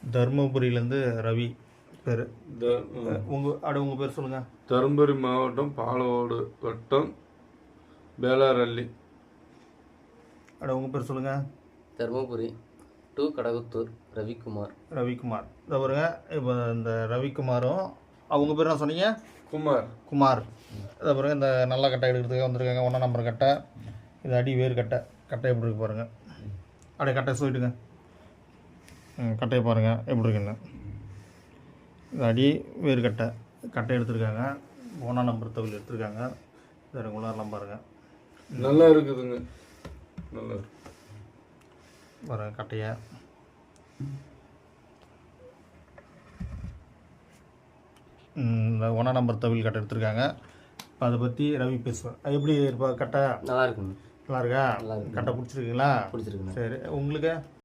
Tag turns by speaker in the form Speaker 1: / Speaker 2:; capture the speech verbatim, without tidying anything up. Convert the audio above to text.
Speaker 1: தருமபுரியிலேருந்து ரவி பேர். உங்கள் அட உங்கள் பேர் சொல்லுங்கள்.
Speaker 2: தருமபுரி மாவட்டம் பாலவோடு வட்டம் பேலாரள்ளி.
Speaker 1: அட உங்கள் பேர் சொல்லுங்கள்.
Speaker 3: தருமபுரி டு கடகுத்தூர் ரவிக்குமார்.
Speaker 1: ரவிக்குமார் இதை பாருங்க. இப்போ இந்த ரவிக்குமாரும் அவங்க பேர் என்ன சொன்னீங்க?
Speaker 2: குமார்.
Speaker 1: குமார் இதை பாருங்க. இந்த நல்ல கட்டை எடுக்கிறதுக்காக வந்திருக்காங்க. ஒன்றாம் நம்பர் கட்டை. இது அடி வேறு கட்டை. கட்டை எப்படி இருக்கு பாருங்கள். அப்படியே கட்டை சொல்லிட்டுங்க. ம் கட்டையை பாருங்கள் எப்படி இருக்குன்னு. இது அடி வேறு கட்டை. கட்டை எடுத்துருக்காங்க. ஒன்றாம் நம்பர் தவில் எடுத்துருக்காங்க. இது ரெகுலர்லாம் பாருங்கள்.
Speaker 2: நல்லா இருக்குதுங்க. நல்லா இருக்கு
Speaker 1: பாருங்கள் கட்டையை. இந்த ஒன்றாம் நம்பர் தவில் கட்டை எடுத்துருக்காங்க. இப்போ அதை பற்றி ரவி பேசுவேன். அது எப்படி இருப்பா கட்டை?
Speaker 3: நல்லா இருக்குங்க.
Speaker 1: நல்லா இருக்கா?
Speaker 3: நல்லா இருக்கு.
Speaker 1: கட்டை பிடிச்சிருக்குங்களா?
Speaker 3: பிடிச்சிருக்குண்ணா.
Speaker 1: சரி உங்களுக்கு?